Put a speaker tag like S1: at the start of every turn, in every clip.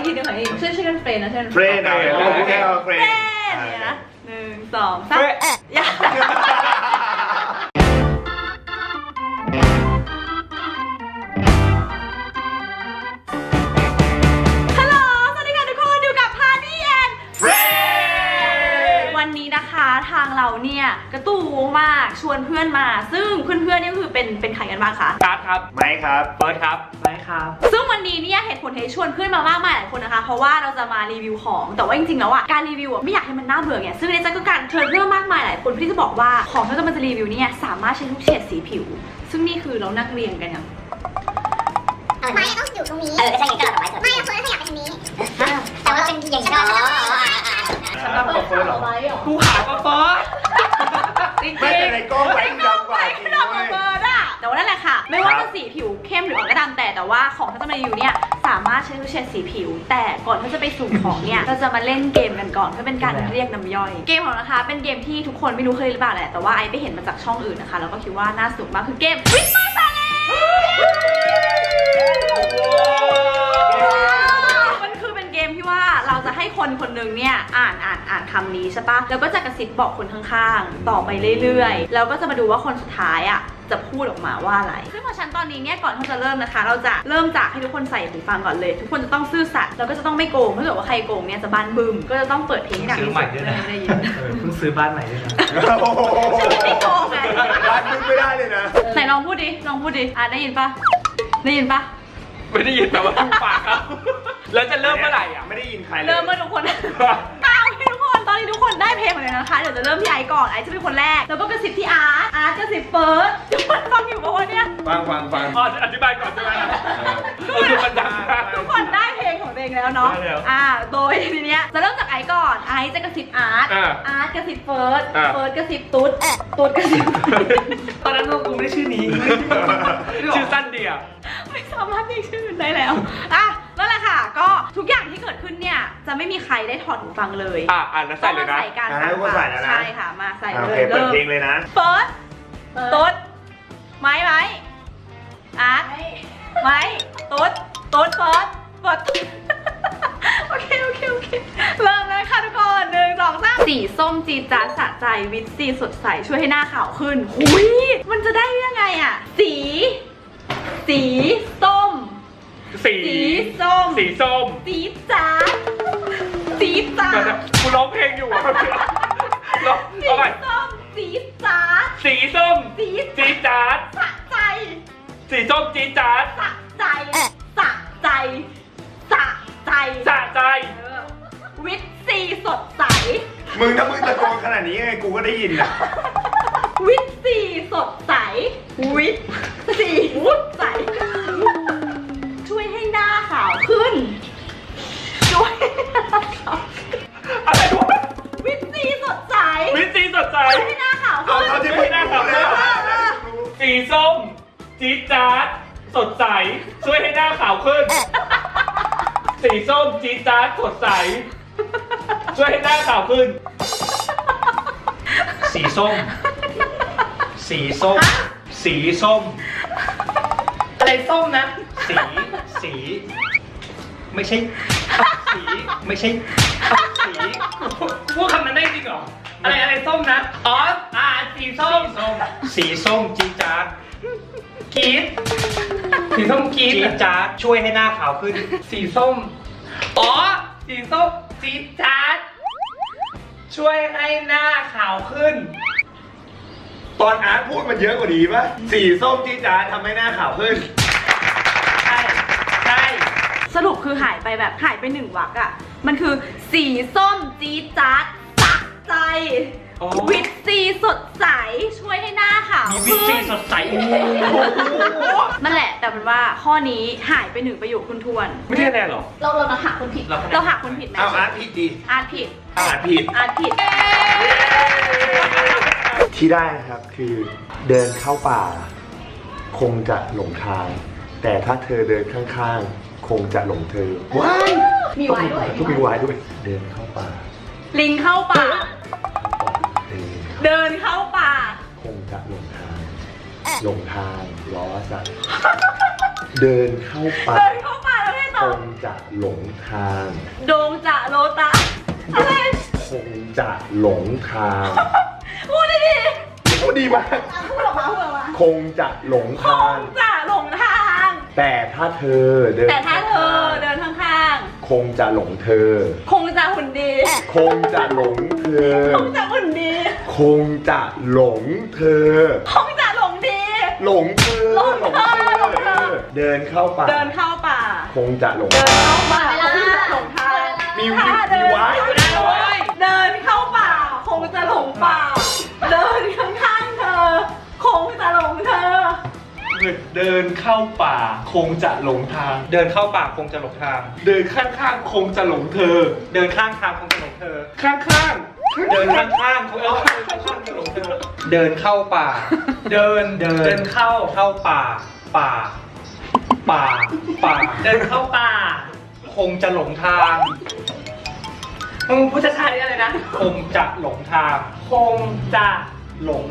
S1: ทีหนึ่งช่วยกันเฟรนนะช่วยกัน
S2: เฟรนเอาแค่เฟรน
S1: เนี่ยนะ1 2 3อย่าทางเราเนี่ยกระตู้มากชวนเพื่อนมาซึ่งเพื่อนๆนี่ก็คือเป็นใครกันบ้างคะ
S3: การ์ดครับ
S2: ไม้ครับ
S3: เฟิร์สครับไม้ครับ
S1: ซึ่งวันนี้เนี่ยเหตุผลที่ชวนเพื่อนมามากมายหลายคนนะคะเพราะว่าเราจะมารีวิวของแต่ว่าจริงๆแล้วอ่ะการรีวิวไม่อยากให้มันน่าเบื่อไงซึ่งในใจก็การเชิญเพื่อนมากมายหลายคนที่จะบอกว่าของที่เราจะรีวิวเนี่ยสามารถใช้ทุกเฉดสีผิวซึ่งนี่คือเรานั่งเรียงกันอย่าง
S4: ไม้ต้องอยู่ตรงนี้ใช่ไงก็เราไม้เฟิร์สขยับไปทางนี้แต่ว่าเป็นอย่างนี้
S1: ฉันรับเฟิร์สหรอ
S3: กูหาก็เฟิร์ส
S2: ไม่แต่ในกล้องไว้ดำกว่าจริง
S1: เลยแต่ว่านั่นแหละค่ะไม่ว่าจะสีผิวเข้มหรืออ่อนก็ตามแต่ว่าของที่จะมารีวิวเนี่ยสามารถใช้ทุกเฉดสีผิวแต่ก่อนที่จะไปสู่ของเนี่ยเราจะมาเล่นเกมกันก่อนเพื่อเป็นการเรียกน้ำย่อยเกมของนะคะเป็นเกมที่ทุกคนไม่รู้เคยหรือเปล่าแหละแต่ว่าไอไปเห็นมาจากช่องอื่นนะคะแล้วก็คิดว่าน่าสนุกมากคือเกมวิสมาซาเลมันคือเป็นเกมที่ว่าเราจะให้คนคนหนึ่งเนี่ยอ่านคำนี้ใช่ปะแล้วก็จะกระซิบบอกคนข้างๆต่อไปเรื่อยๆแล้วก็จะมาดูว่าคนสุดท้ายอ่ะจะพูดออกมาว่าอะไรซึ่งพอฉันตอนนี้เนี่ยก่อนที่จะเริ่มนะคะเราจะเริ่มจากให้ทุกคนใส่หูฟังก่อนเลยทุกคนจะต้องซื่อสัตย์แล้วก็จะต้องไม่โกงถ้าเกิดว่าใครโกงเนี่ยจะบ้านบึ้มก็จะต้องเปิดเพลงให้ดังที่สุดไม่ได้ยิน
S3: เพิ่งซื้อบ้านใหม่ด้วยนะ
S1: ฉันไม่โกงไง
S2: บ้านบึ้มไม่ได้เลยนะ
S1: ไหนลองพูดดิได้ยินปะไม่ได้ยิน
S3: แต่ว่าถูกปากครับแล้วจะเริ่มเมื่อไหร่อ่ะ
S2: ไม่ได้ยินใคร
S1: เริ่มเมื่อทุกคนก้าวให้ทุกคนตอนนี้ทุกคนได้เพลงหมดเลยนะคะเดี๋ยวจะเริ่มที่ไอก่อนไอจะเป็นคนแรกแล้วก็กระซิบที่อาร์ตกระซิบเฟิร์สทุกคนฟังอยู่ปะวะเนี่ย
S2: ฟัง
S3: อธิบายก่อนใช่ไหม
S1: ทุกคนได้เพลงของตัวเองแล้วเนาะโดยทีเนี้ยจะเริ่มจากไอก่อนไอจะกระซิบอาร์ตกระซิบเฟิร์สกระซิบตุ๊ดกระซิบ
S3: ตอนนั้นกูไม่ได้ชื่อนี้ชื่อสั้นเดียว
S1: ไม่สามารถเรียกชื่อได้แล้วนั่นแหละค่ะก็ทุกอย่างที่เกิดขึ้นเนี่ยจะไม่มีใครได้ถอดหูฟังเลย
S3: แล้วใส่เลยนะ
S1: ใส่กันใช่ค่ะมาใส่เลย
S2: เปิดเพลงเลยนะ
S1: เฟิร์สตุ๊ดไม้อาร์ตไม้ตุ๊ดเฟิร์สโอเคเริ่มเลยค่ะทุกคน1 2 3สีส้มจีจ๊าดสะใจวิตซีสดใสช่วยให้หน้าขาวขึ้นหุยมันจะได้ยังไงอ่ะสีส้มสีจ๊าด
S3: กูร้องเพลงอยู่
S1: สีส้มจีจ๊าด
S3: สีส้มจีจ๊าด
S1: สะใจ
S3: สีส้มจีจ๊าด
S1: สะใจวิตซีสดใส
S2: ถ้ามึงตะโกนขนาดนี้ไงกูก็ได้ยินอ่ะ
S1: วิตซีสดใสวิตซีสดใสช่วยให้หน้าขาวขึ้น
S3: อะไรวะ
S1: วิตซีสดใส
S3: ช่วย
S1: ให้หน้าขาวขึ้น
S3: สีส้มจี๊ดจ๊าดสดใสช่วยให้หน้าขาวขึ้นสีส้มจี๊ดจ๊าดสดใสช่วยให้หน้าขาวขึ้นสีส้มอะไรส้มนะสีไม่ใช่พูดคำนั้นได้จริงเหรออะไรส้มนะสีส้มจี๊ดจ๊าดสีส้มจี๊ดจ๊าดช่วยให้หน้าขาวขึ้นสีส้มจี๊ดจ๊าดช่วยให้หน้าขาวขึ้น
S2: ตอนอาร์ตพูดมันเยอะกว่าดีป่ะสีส้มจี๊ดจ๊าดทำให้หน้าขาวขึ้น
S3: ใช่
S1: สรุปคือหายไป1 วรรคอ่ะมันคือสีส้มจี๊ดจ๊าดสะใจวิตซีสดใสช่วยให้หน้าขาว
S3: มีวิตซีสดใส
S1: นั่นแหละแต่เป็นว่าข้อนี้หายไป1 ประโยคคุณทวน
S3: ไม่ใช่แน่หรอ
S1: เราหาคนผิดเราหาคนผิดไหม
S2: อาร์ตผิดดิ
S1: อาร์ตผิด
S2: ที่ได้นะครับคือเดินเข้าป่าคงจะหลงทางแต่ถ้าเธอเดินข้างๆคงจะหลงเธอว้าย
S1: มีวายด้วย
S2: เดินเข้าป่า
S1: ลิงเข้าป่าเดินเข้าป่า
S2: คงจะหลงทางล้อสัตว์เดินเข้าป่า
S1: แล้วให้ต่อ
S2: คงจะหลงทาง
S1: โดงจะโลตะอะไร
S2: คงจะหลงทาง
S1: พูดดิ
S2: พูดดีมาก
S1: พูดออกมาพูดออกมา
S2: คงจะหลง
S1: ค
S2: ทาง
S1: งจะหลงทาง
S2: แต่ถ้าเธอเดิน
S1: แต่ถ้าเธอเดินข้าง
S2: คงจะหลงเธอ
S1: ๆคงจะหุ่นดี
S2: คงจะหลงเธอ
S1: คงจะหุ่นดี
S2: คงจะหลงเธอ
S1: คงจะหลงดี
S2: หลงเธอ
S1: หลงเธอหลงเธอ
S2: เดินเข้าป่า
S1: เดินเข้าป่า
S2: คงจะหลง
S1: เดินเข้าป่าคงจะหลงทาง
S2: มี
S1: ถ้าเดิน
S2: มีไว้
S1: เดินเข้าป่า คงจะหลงป่า เดินข้างๆเธอ คงจะหลงเธอ
S3: เดินเข้าป่าคงจะหลงทาง
S5: เดินเข้าป่าคงจะหลงทาง
S3: เดินข้างๆคงจะหลงเธอ
S5: เดินข้างทางคงจะหลงเธอ
S3: ข้าง
S5: เดินข้างๆคงข้างๆจะหลงเธอ เดินเข้าป่า เดินเข้าป่า ป่า เดินเข้าป่า คงจะหลงทางมึงพูดช้าๆนี่อะไรนะ คงจะหลงทาง คงจะหลง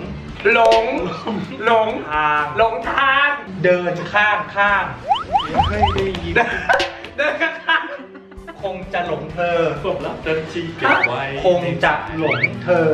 S5: ทาง เดินข้างไม่ได้ยินเดินข้างคงจะหลงเธอ
S3: ๆผมรับเดินชีเก็บไว้
S5: คงจะหลงเธอ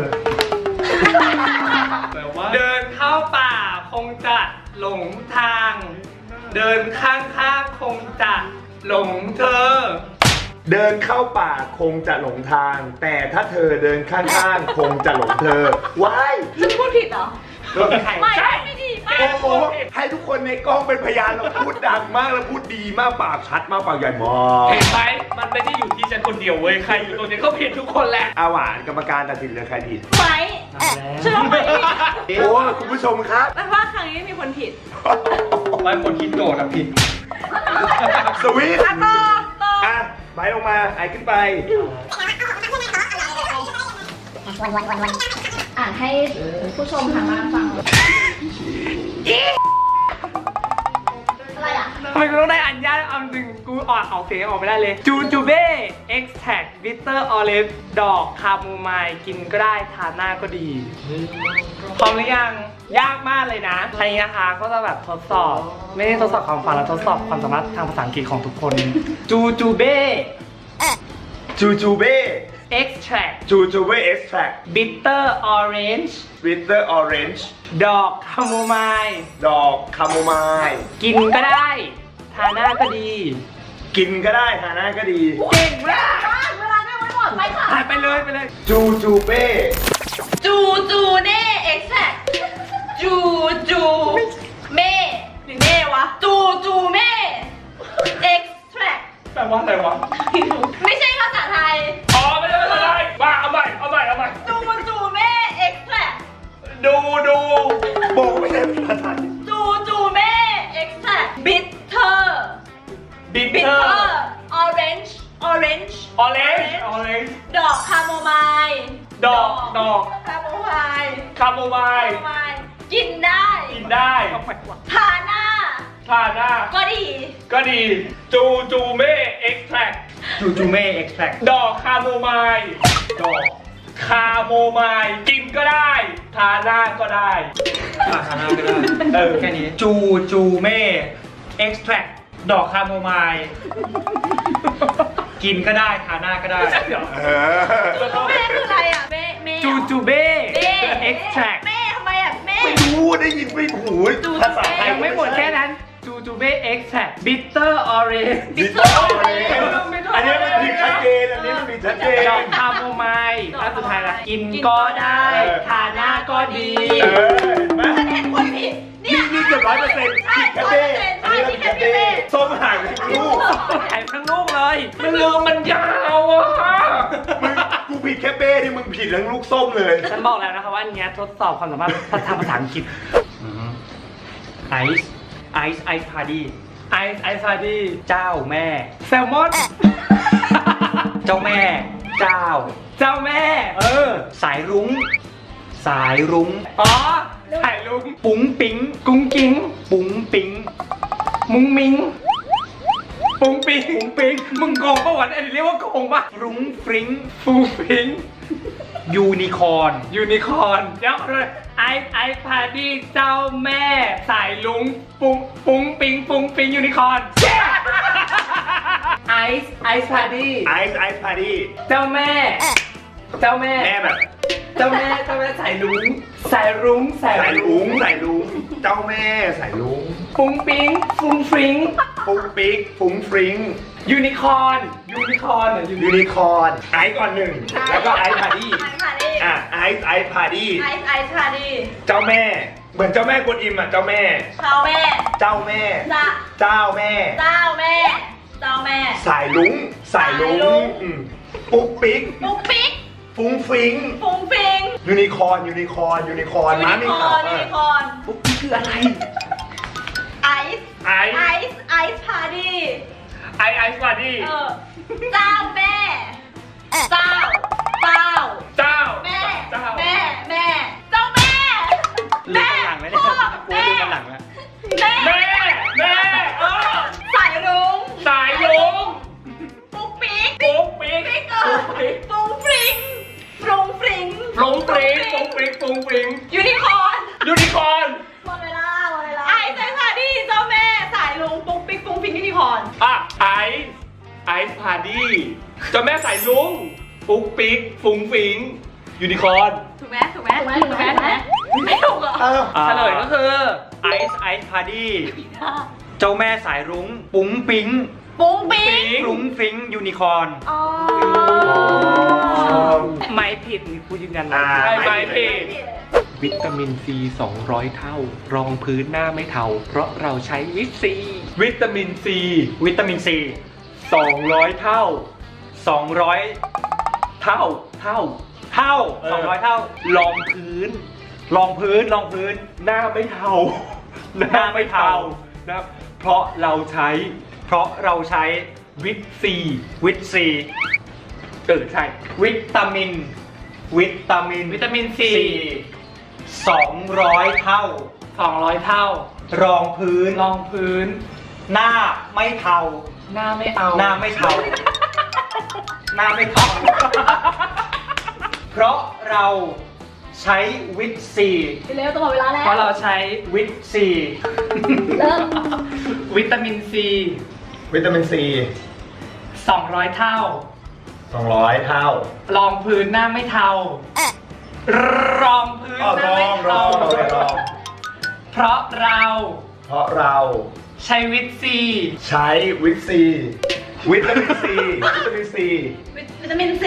S3: แปลว่า
S5: เดินเข้าป่าคงจะหลงทาง เดินข้างๆคงจะหลงเธอ
S2: เดินเข้าป่าคงจะหลงทาง แต่ถ้าเธอเดินข้างๆ คงจะหลงเธอ ว้าย
S1: ฉันพูดผิดเหรอ ไม่ไม่ดีไม่
S2: โอ้โหให้ทุกคนในกล้องเป็นพยานเราพูดดังมากแล้วพูดดีมากปากชัดมากปากใหญ่มาก
S3: เห็นไหมมันไม่ได้อยู่ที่ฉันคนเดียวเว้ย ใครอยู่ตรงนี้ก็ผิดทุกคนแหละ
S2: อาหวานกรรมการตัดสินเลยใครผิด
S1: ไหมฉันว่าไหม
S2: โอ้คุณผู้ชมครับ
S1: แต่ว่าครั้งนี้มีคนผิด
S5: หลายคนคิดโจทย์อะผิด
S2: สวีท
S1: อ่ะต่อ
S2: อ่ะไปลงมาไอขึ้นไป
S1: อ่านให้ผู้ชมทางบ้านฟังอะไรอ่ะ
S5: ทำไมกูต้องได้อันยากเอาจริงกูออกเสียงออกไม่ได้เลย จูจูเบ้ เอ็กซ์แท็กบิตเตอร์ออลิฟดอกคาโมไมล์กินก็ได้ทานหน้าก็ดี พร้อมหรือยัง ยากมากเลยนะอันนี้นะคะก็จะแบบทดสอบ ไม่ได้ทดสอบความฟังแล้วทดสอบความสามารถทางภาษาอังกฤษของทุกคน จูจูเบ้
S2: จูจูเบ้
S5: เอ็กซ์แท็ก
S2: จูจูเบ้เอ็กซ์แทรค
S5: บิตเตอร์ออเรนจ์
S2: วิตเตอร์ออเรนจ์
S5: ดอกคาโมไมล์
S2: ดอกคาโมไมล์
S5: กินก็ได้ทานหน้าก็ดี
S2: กินก็ได้ทานได้ก็ดี
S5: เก่งมาก
S1: เวลาไม่ไว้หมดไปค่ะ
S5: หายไปเลยไปเลย
S2: จูจูเบ้
S1: จูจูเน่เอ็กแซกจูจูเม่หรือเม่วะ จูจูเม่เอ็กแทรก
S3: แปลว่าอะไรวะ
S1: ไม่ใช่ภาษาไทย
S3: อ๋อไม่ได้ไม่ได้มาเอาใหม่
S1: จูจูเม่เอ็กแทรก
S3: ดู
S2: บอกไม่ใช่ภาษาไทย
S1: จูจูเม่เอ็กแทรกบิทเทอร์
S3: บิท
S1: บิ
S3: เท
S1: ท
S3: อ
S1: เทอ
S3: ร์
S1: ร์ออเรนจ์ออเรนจ์
S3: ออเรนจ์
S1: ดอกคาโมไมล์
S3: ดอก
S1: คาโมไมล์
S3: คาโมไม
S1: คา
S3: ล์
S1: โมไมล์กินได้
S3: กินได้
S1: ทาหน้า
S3: ทาหน้า
S1: ก็ดี
S3: ก็ดี จูจูเม่เอ็กซ์แทรค
S5: จูจูเม่เอ็กซ์แทรก
S3: ดอกคาโมไมล์ดอกคาโมไมล์กินก็ได้ ทาหน้าก็ได้
S5: ทานหน้าก็ได้แค่นี้จูจูเม่เอ็กซ์แทรกดอกคาโมไมล์กินก็ได้ทานหน้าก็ได้
S2: เออ
S1: แม่คืออะไรอ่ะแม่แม่
S5: จูจูเบ้
S1: แม่
S5: เอ็กซ์แทรก
S1: แม่ทำไมอ่ะแม่
S2: ไม่รู้ได้ยินไม่หูภาษาไทย
S5: ยังไม่หมดแค่นั้นจูจูเบ้เอ็กซ์แทรกบิตเตอร์ออเรนจ์
S2: บิทเตอร์ออเรนจ์อันนี้มันผิดชัดเจนอันนี้มันผิดชัดเจน
S5: ดอกคาโมไมล์อันสุดท้ายละกินก็ได้ทานหน้าก็ดี
S2: เออเห็นไหม
S1: ฉันเห็นคนผิดเนี่ย
S2: นี่เกือบ100%ผิดแค่เบ้อันนี้เราผิดแค่เบ้ส้มห่างไปทั้งลูก
S5: หายทั้งลูกเลย
S3: มันลืมมันยาวอ่ะ
S2: มึงกูผิดแค่เบ้ที่มึงผิดทั้งลูกส้มเลย
S5: ฉันบอกแล้วนะคะว่าอันเนี้ยทดสอบความสามารถทางภาษาอังกฤษไอซ์พาร์ตี้ไอซ์พาร์ตี้เจ้าแม่แซลมอนเจ้าแม่เจ้าแม่สายรุ้งอ๋อสายรุ้งปุ๋งปิงกุ้งกิ้งปุ๋งปิงมุ้งมิงปุ้งปิงมึงโกงปะวะอันนี้เรียกว่าโกงปะรุ้งฟริ้งฟูฟิงยูนิคอร์นเดี๋ยวเลยไอพาร์ตี้เจ้าแม่สายลุงปุ้งปิงยูนิคอร์นไอซ์พาร์ตี้
S2: ไอซ์พาร์ตี้
S5: เจ้าแม่ เจ้าแม่
S2: แม่แบบ
S5: เจ้าแม่สายรุ้งสายรุ้ง
S2: ใส่ลุงเจ้าแม่ใส่ลุง
S5: ฟุ้งปิ๊งฟุ้งฟริ้ง
S2: ปุ๊กปิ๊กฟุ้งฟริ้ง
S5: ยูนิคอร์นเหรอ
S2: ยูนิคอร์นไอซ์ก่อนหนึ่งแล้วก็ไอซ์พาร์ตี้
S1: ไอซ์พาร์ตี้
S2: อ่ะไอซ์พาร์ตี้
S1: ไอซ์พาร์ตี้
S2: เจ้าแม่เหมือนเจ้าแม่กวนอิมอ่ะเจ้าแม่
S1: เจ้าแม่
S2: เจ้าแม่ เจ้าแม่
S1: เจ้าแม่เจ้าแม่
S2: สายลุง
S1: สายรุ้ง
S2: ปุ๊กปิ๊ก
S1: ปุ๊กปิ๊ก
S2: ฟุ้งฟริ้ง
S1: ฟุ้งฟิง
S2: ยูนิคอร์นม้ามีขา
S1: ยูนิคอร์น
S5: ปุ๊บนี่คืออะไร
S1: ไอซ์พาร์ตี้
S3: ไอซ์พาร์ตี้
S1: เจ้าแม่เจ้า
S3: เจ้า
S1: แม่
S3: เจ้า
S1: แม่เจ้าแม่
S5: ลืมกันหลังไหมเนี่ย
S1: พ่อ
S5: กูลืมกันหลังแล้ว
S1: แม่
S3: แม่
S1: สายรุ้ง
S3: สายลุง
S1: ปุ๊กปิ๊ก
S3: ปุ๊กปิ๊ก
S1: ปิ๊กฟุ้งฟริงฟรุงฟริง
S3: ฟรุ้งฟริ้งฟรุ้งฟริ้งฟรุ้งฟริ้ง
S1: ยูนิคอร์น
S3: ยูนิคอร์น
S1: หมดเวลาไอซ์พาร์ตี้เจ้าแม่สายรุ้งปุ๊กปิ๊กฟุ้งฟริงยูนิคอร์น
S3: อ่ะไอซ์พาร์ตี้เจ้าแม่สายลุงปุ๊กปิ๊กฟุ้งฟิ้งยูนิคอร์น
S1: ถูกไหมไม่ถูกเหรอ
S5: เฉลยก็คือไอซ์พาร์ตี้เจ้าแม่สายรุ้งปุ้งปิ๊ง
S1: ปุ้งปิ๊ง
S5: ฟรุ้งฟริ้งยูนิคอร์น
S1: อ๋อ
S5: ไม่ผิดนี่กูยืนยัน
S3: ใช่ไหมพี่
S6: วิตามินซี200 เท่ารองพื้นหน้าไม่เทาเพราะเราใช้วิตซี
S3: วิตามินซี
S5: วิตามินซี
S6: 200 เท่า
S5: 200 เท่า 200 เท่าร
S6: องพื้น
S5: รองพื้น
S6: หน้าไม่เทา
S5: หน้าไม่เทา
S6: นะครับเพราะเราใช้
S5: วิตซีใช่วิตามินซี200 เท่า
S6: 200 เท่า
S5: รองพื้น หน้าไม่เทา
S6: หน้าไม่เอา
S5: หน้าไม่เทา เพราะเราใช้วิตซี
S1: เร็วตลอดเวลาแล้ว
S6: เพราะเราใช้
S5: วิตซี
S1: เริ่ม
S6: วิตามินซี 200 เท่า
S2: 200 เท่าร
S6: องพื้นหน้าไม่เทาร
S5: องพื้น
S2: อ๋อ
S5: หน้าไม่เทา
S6: เพราะเรา
S2: เพราะเรา
S6: ใช้วิตซี
S2: ใช้วิตามินซี
S1: วิตามินซี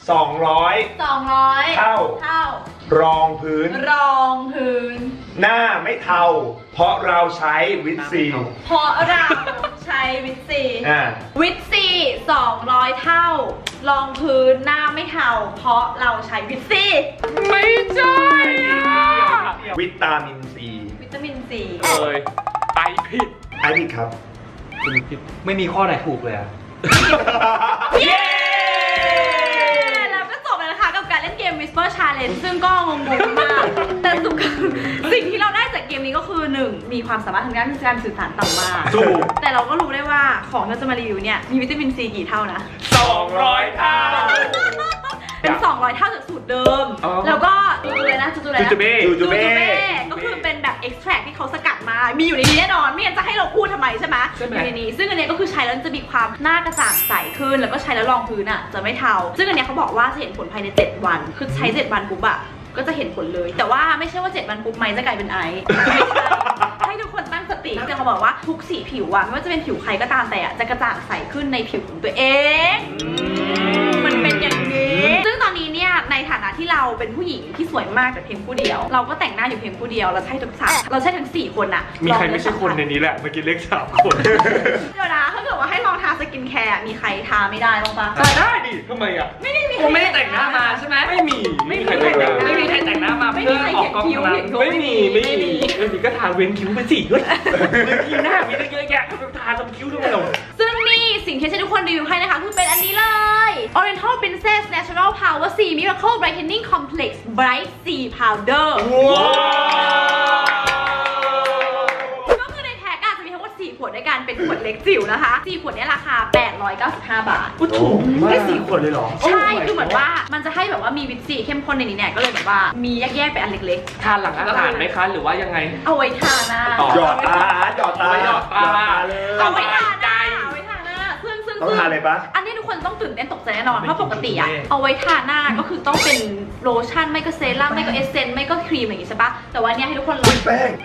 S2: 200
S1: 200
S2: เท่า รองพื้น
S1: รองพื้น
S2: หน้าไม่เทาเพราะเราใช้วิตซี
S1: เพราะเราใช้วิตซี วิตซี200 เท่ารองพื้นหน้าไม่เทาเพราะเราใช้วิตซี
S6: ไม่ใช่อ่ะ
S2: วิตามินซี
S1: วิตามินซี
S6: เลยไปผิด
S2: ไอพี่ครับ
S5: ไม่มีข้อไหนถูกเลยอะ
S1: เย้แล้วก็จบแล้วนะคะกับการเล่นเกม Whisper Challenge ซึ่งก็งงๆมาก แต่สิ่งที่เราได้จากเกมนี้ก็คือ 1. มีความสามารถทางด้านการสื่อสารต่ำมาก
S2: ถูก
S1: แต่เราก็รู้ได้ว่าของที่เราจะมารีวิวเนี่ยมีวิตามินซีกี่เท่านะ
S3: 200 เท่า
S1: เป็น 200 เท่าจากสูตรเดิม
S6: อ๋อ
S1: แล้วก็จูเลยนะจูเลยนะ
S3: จูจูเบ้
S2: จูเบ้
S1: ก็คือเป็นแบบ extract ที่เขาสกัดมา มีอยู่ในนี้แน่นอน ไม่งั้นจะให้เราพูดทำไมใช่ไหม
S6: ใช่ไหม
S1: อยู่ในนี้ ซึ่งอันเนี้ยก็คือใช้แล้วจะมีความหน้ากระจ่างใสขึ้น แล้วก็ใช้แล้วรองพื้นอ่ะจะไม่เทา ซึ่งอันเนี้ยเขาบอกว่าจะเห็นผลภายใน 7 วัน คือใช้ 7 วันปุ๊บอะก็จะเห็นผลเลย แต่ว่าไม่ใช่ว่า 7 วันปุ๊บไม้จะกลายเป็นไอซ์ไม่ใช่ ให้ทุกคนตั้งสติแต่เขาบอกว่าทุกสีผิวอะไม่ว่าจะเป็นผิวใครก็ตามแต่อะจะกระจ่างใสขึ้นในผิวของตัวเอง มันเป็นอย่างนี้ ซึ่งตอนนี้เนี่ยในฐานะที่เราเป็นผู้หญิงที่สวยมากแต่เพียงผู้เดียว เราก็แต่งหน้าอยู่เพียงผู้เดียว เราใช้ทั้ง 4 คนอะ
S6: มีใครไม่ใช่คนในนี้แหละเมื่อกี้เลข3 คน
S1: เดี๋ยวนะถ้าเกิดว่าให้ลองทาสกินแคร์มีใครทาไม่ได้บ้างปะ
S3: ได้ดิทำไมอ่ะ
S1: ไม่ได้มี
S6: ผมไม่ได้แต่งหน้ามาใช่ไหมไม่มี
S1: ไม่มีใครแต่งหน้า
S6: ไม่มีใครแต่งหน้ามา
S1: ไม่
S6: เพื่
S1: มี
S6: อ
S1: ใคร
S6: ออ
S1: เขี
S6: ก
S1: ยน
S6: กล้อง
S1: คิ้ว
S6: นะ
S1: เขียนคิ้ว
S3: ไม่มีก็ทาเว้นคิ้วไปสิเฮ้ยเว้นคิ้วหน้ามีตั้งเยอะแยะทาตรงคิ้วทำไมหรอ
S1: ซึ่งนี่สิ่งที่ฉันทุกคนรีวิวให้นะคะคือเป็นอันนี้เลย Oriental Princess Natural Power C Miracle Brightening Complex Bright C Powder
S3: ว้าว
S1: ก็คือในแท็กอะจะมีทั้งหมด4 ขวดด้วยกันเป็นขวดเล็กจิ๋วนะคะ4 ขวดเนี้ราคา 895 บาท
S2: ถูก
S5: แค่4 คนเลยเหรอ
S1: ใช่ คือเหมือนว่ามันจะให้แบบว่ามีวิตซีเข้มข้นในนี้เนี่ยก็เลยแบบว่ามีแยกๆเป็นอันเล็ก
S6: ทานหลังอาหารไหมคะหรือว่ายังไง
S1: ๆ เอาไว้ทาหน้า
S2: หยอดตาเลย
S1: เอาไว้ทาหน้าเอาไว้ทาหน้าซึ่ง
S2: ต้องทานเลยปะ
S1: อันนี้ทุกคนต้องตื่นเต้นตกใจแน่นอนเพราะปกติอะเอาไว้ทาหน้าก็คือต้องเป็นโลชั่นไม่ก็เซรั่มไม่ก็เอสเซนต์ไม่ก็ครีมอย่างงี้ใช่ปะแต่ว่าเนี่ยให้ทุกคนลอง
S2: แป้ง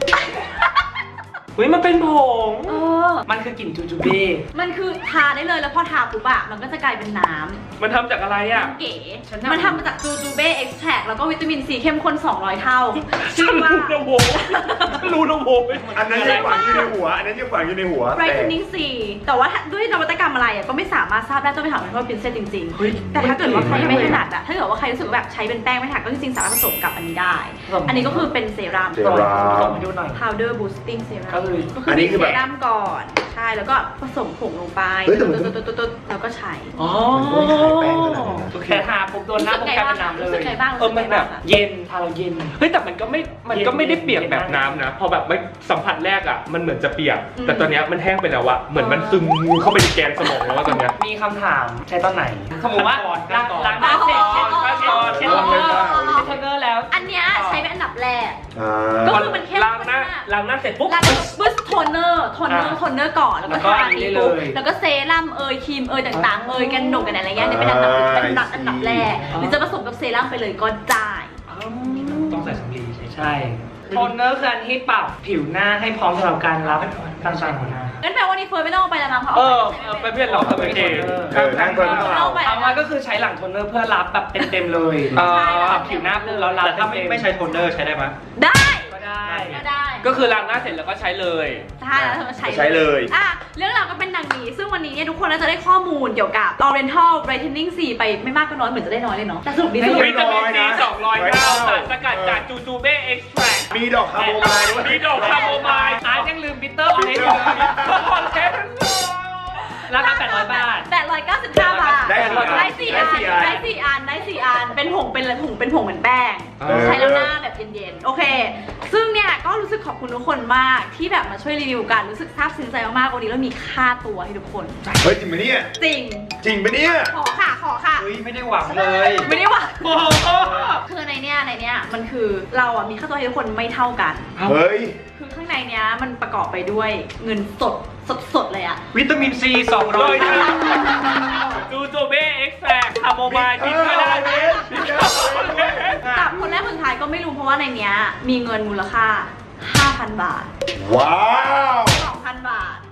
S5: อุ้ยมันเป็นผง
S1: เออ
S5: มันคือกลิ่นจูจูเบ้
S1: มันคือทาได้เลยแล้วพอทาปุ๊บอะมันก็จะกลายเป็นน้ำ
S3: มันทำจากอะไรอ่ะ
S1: เก๋ มันทำมาจากจูจูเบ้เอ็กซ์แทรแล้วก็วิตามินซีเข้มข้น200 เท่าชื่อว่า
S3: รู้นะโวรู้นะโว
S2: อันนั้นยังฝังอยู่ในหัว อันนั้นยังฝังอยู่ในหัว
S1: Brightening C แต่ว่าด้วยนวัตกรรมอะไรอะก็ไม่สามารถทราบได้ต้องไปถามคุณพ่อพินเซสจริงๆ แต่ถ้าเกิดว่าใครไม่ถนัดอะถ้าเกิดว่าใครรู้สึกว่าแบบใช้เป็นแป้งไม่ถนัดก็จริงๆสามารถผสมกับอันนี้ได้ อันนี้ก็คือเป็นเซรั่ม
S2: เซรั่ม
S5: ส่งให้ดูหน่อย
S1: powder boosting serum
S5: ก็คือ
S2: อันนี้คือแบบ
S1: เซรั่มก่อน ใช่ แล้วก็ผสมผงลงไป
S2: เฮ้ยแต่มัน
S1: ตุ๊ดๆๆๆแล้วก็ใช้
S5: อ๋อ
S2: มันไม่ขายแป้งขนาดนั้นนะ
S5: แต่ทาปุ๊บโดนหน้าปุ๊บกลายเป็นน้ำเลย
S1: รู้สึกไงบ้าง
S5: มันแบบเย็นทาเราเย็น
S3: เฮ้ยแต่มันก็ไม่ได้เปียกแบบน้ำนะ พอแบบไม่สัมผัสแรกอ่ะมันเหมือนจะเปียก แต่ตอนเนี้ยมันแห้งไปแล้วอะเหมือนมันซึมเข้าไปในแกนสมองแล้วว่าตอนเนี้ย
S5: มีคำถามใช้ตอนไหนสมมติว่า
S3: ขั้นตอน
S5: ล้างหน้าเสร็จเช็ด
S3: ขั้นตอน
S5: เช็ดโทนเนอร์เช็ดโทนเนอร์แล้ว
S1: อันเนี้ยใช้เป็นอันดับแรก
S2: อ่
S1: ก็
S2: า
S1: คือมันเข้ม
S3: ล้าง
S1: ข้น
S3: หน้าม
S1: าก
S3: ล้างหน้าเสร็จปุ๊บ
S1: แล้วก็บึ้สโทนเนอร์ก่อนแล้วก็ทาดีปุ๊บแล้วก็เซรั่มครีมต่างๆกันหนกกันอะไรเงี้ยเนี่ยเป็นอันดับแรกหรือจะผสมกับเซรั่มไปเลยก็ได้
S6: ต้องใส่สำลีใช่
S5: ใช่โทนเนอร์คืออันที่ปรับผิวหน้าให้พร้อมสำหรับการรับการใช้ของหน้า
S1: งั้นแปลว่านี่เฟิร์นไม่ต้องเอาไปแล้วมั้งเพราะ
S3: เอ
S1: เอา
S3: อ
S1: ไป
S3: ไปเพื่อนเราทำไมเอง
S2: นั่งก่อนนั่งก่อน
S1: เอาไป
S5: เอามาก็คือใช้หลังโทนเนอร์เพื่อรับแบบเต็มๆเลย ปรับผิวหน้าปุ๊บแล้วรับ
S6: แต่ถ้าไม่ใช้โทนเนอร์ใช้ได้ไหม
S1: ได้
S5: ก็ได้
S1: ก็ได้
S3: ก็คือล้างหน้าเสร็จแล้วก็ใช้เลย
S1: ใช่แล้วเธอมาใช้
S2: ใช้เลย
S1: อ่ะเรื่องราวก็เป็นดังนี้ ซึ่งวันนี้เนี่ยทุกคนน่าจะได้ข้อมูลเกี่ยวกับ Oriental Brightening C ไปไม่มากก็น้อยเหมือนจะได้น้อยเลยเนาะแต่สรุปดีสรุป
S3: วิตามินซี209สารสกัดจากจูจูเบ้เอ็กซ์แทร
S2: มีดอกคาโมไมล์ด้วย
S3: มีดอกคาโมไมล์
S5: อาร์ตยังลืมบิตเตอร์ออเรนจ์อยู่เลย
S3: คอนเทนต์
S5: ราคา800 บาท
S1: 899 บาท
S2: ได้สี่อัน
S1: ได้สี่อันเป็นผงเป็นผงเหมือนแป้ง
S2: เออ
S1: ใช้แล้วหน้าแบบเย็นๆ โอเค ซึ่งเนี่ยก็รู้สึกขอบคุณทุกคนมากที่แบบมาช่วยรีวิวกัน รู้สึกซาบซึ้งใจมากๆ วันนี้เรามีค่าตัวให้ทุกคน
S2: เฮ้ยจริงปะเนี่ย
S1: จริง
S2: จริงปะเนี่ย
S1: ขอค่ะ
S6: เฮ้ย ไม่ได้หวังเลย
S1: ไม่ได้ว่า
S3: โอ้โห
S1: คือในเนี้ยมันคือเราอ่ะมีค่าตัวให้ทุกคนไม่เท่ากัน
S2: เฮ้ย
S1: คือข้างในเนี้ยมันประกอบไปด้วยเงินสดเลยอ่ะ
S6: วิตามินซี
S3: โดย
S6: 200
S3: ที่
S6: เท่า
S3: จูจูเบ้เอ็กซ์แทรคาโมไมล์ทิ้งก็ได้
S1: จับคนแรกคนสุดท้ายก็ไม่รู้เพราะว่าในเนี้ยมีเงินมูลค่า 5,000 บาท
S2: ว้าว
S1: 2,000 บาท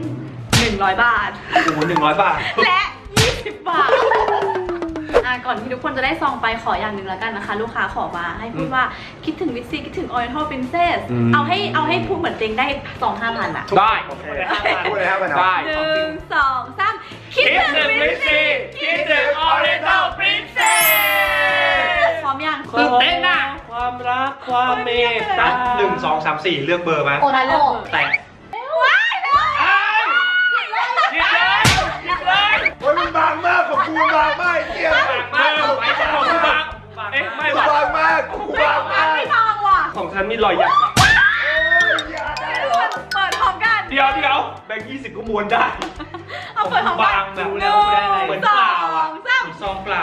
S1: 100 บาท
S6: โอ้โห100 บาท
S1: และ 20 บาท ก่อนที่ทุกคนจะได้ซองไปขออย่างหนึ่งแล้วกันนะคะ ลูกค้าขอมาให้พูดว่าคิดถึงวิตซีคิดถึง Oriental Princess เอาให้พูดเหมือนเต็งได้ซอง 5,000 อ่ะ
S3: ได้
S2: พูดเลยครับมัน
S3: ได้
S1: 1 2 3 คิด
S3: คิด
S1: ถึง
S3: ถึง
S1: วิ
S3: วิ
S1: ต
S3: ส
S1: ซี
S3: ซี่คิดถึงออเรนทัลปรินเซส
S1: พร้อมยัง
S5: ตื่นเต้นน่ะ
S6: ความรักความเมตตา1 2 3 4 เลือกเบอร์มา
S4: โอนาโล
S6: แต่
S1: ว้ายเลย
S3: หยิบเลยหยิบเลย
S2: โอ้ยมันบางมากของกูบางมากไอ้เหี้ย
S3: มากของคุณบางเอ๊ะไม่
S2: กู
S3: ว่ะ
S2: บางมากกูบางมาก
S1: ไม่ทองว่ะ
S3: ของฉันมีรอยหยักอะ
S2: โอ้ยอย่าได้หรอ
S1: เปิดพร้อมกัน
S3: เดี๋ยวแบงค์20ก็ม้วนได้
S1: เอาเปิดพร้อมกัน
S6: บางแบบ
S1: 1
S6: แล้วได้อะไร
S1: 2
S6: เหมือนเปล่าอ่ะ
S1: 3
S6: เหมือนซองเปล่า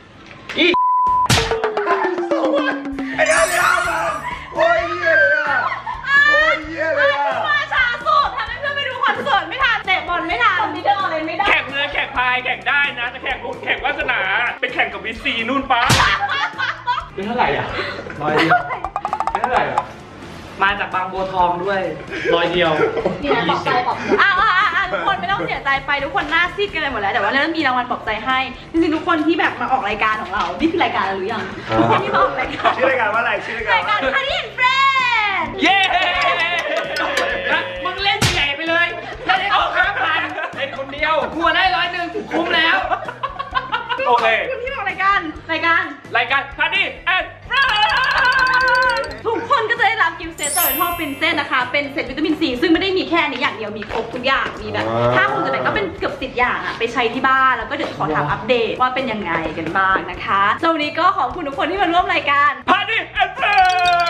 S2: ไอ้เหี้ยมันโอ้ยเหี้ยเลยอ่ะโอ้ยเหี้ยเลยอ่ะ
S1: มาช้าสุดทำให้เพื่อนไปดูคอนเสิร์ตไม่ทันเตะบอลไม่ทันคนที่เดินออกเลยไม่ได้
S3: แข่งเรือแข่งพายแข่งได้นะแต่แข่งรุ่นแข่งวาสนาไปแข่งกับวิสซีนู่นป้าเป็นเท่าไหร่อ่ะ
S6: 100 เดียว
S3: เป็นเท่าไหร่อ่ะ
S5: มาจากบางบัวทองด้วย
S6: 100 เดียว
S4: นี่นะปลอบใจปลอบใจ
S1: ทุกคนไม่ต้องเสียใจไปทุกคนหน้าซีดกันเลยหมดแล้วแต่ว่าเรื่องมีรางวัลปลอบใจให้จริงๆทุกคนที่แบบมาออกรายการของเรานี่คือรายการอะไรหรือยังที่มาออกรายการ
S2: ชื่อรายการว่าอะไรชื่อรายการ
S1: รายการ
S2: ว่า
S1: คารินเฟรน
S3: เย้
S5: มึงเล่นใหญ่ไปเลยได้ได้เอา5,000
S3: เล่นคนเดียว
S5: กลัวได้101คุ้มแล้ว
S3: โอเค
S1: คุณที่มาออกรายการ
S3: รายการคาร์ดี้แอนด์ฟราน
S1: ทุกคนก็จะได้รับกิฟต์เซตจากท่อปรินเซสนะคะเป็นเซตวิตามินซีซึ่งไม่ได้มีแค่นี้อย่างเดียวมีครบทุกอย่างมีแบบถ้าคุณจะเป็นก็เป็นเกือบ10 อย่างอะไปใช้ที่บ้านแล้วก็เดี๋ยวขอถามอัปเดตว่าเป็นยังไงกันบ้างนะคะสำหรับวันนี้ก็ขอบคุณทุกคนที่มาร่วมรายการ
S3: คาร์ดี้แอนด์ฟราน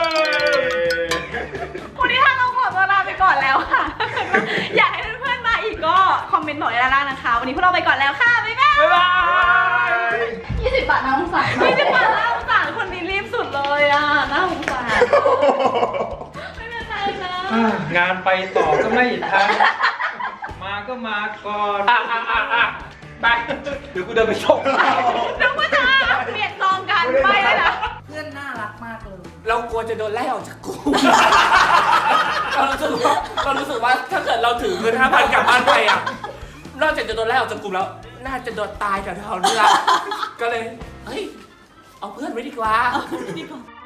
S1: วันนี้ทางเราขอตัวลาไปก่อนแล้วค่ะ อยากให้เพื่อนๆมาอีกก็คอมเมนต์บอกด้านล่างนะคะ วันนี้พวกเราไปก่อนแล้วค่ะ บ๊ายบาย
S3: บ๊ายบาย
S4: 20 บาทน้องสาย
S1: ไม่ได้มาน่าสงสารคนนี้รีบสุดเลยอ่ะน่าสงสารไม่เป็นไรนะ
S6: งานไปต่อก็ไม่ทันมาก็
S5: ก็มาก่อน
S3: ไป
S5: เดี๋ยวกูเดินไปส่ง
S1: นึกว่าจะเปลี่ยนซองกันไม่เลยนะ
S7: เพื่อนน่ารักมากเลย
S6: เรากลัวจะโดนไล่ออกจากกลุ่ม เรารู้สึกว่าถ้าเกิดเราถือเงิน 5,000 กลับบ้านไปอ่ะ นอกจากจะโดนไล่ออกจากกลุ่มแล้ว น่าจะโดนตายแถวๆนี้ละก็เลย เฮ้ย เอาเพื่อนไว้ดีกว่า
S1: ดีกว่า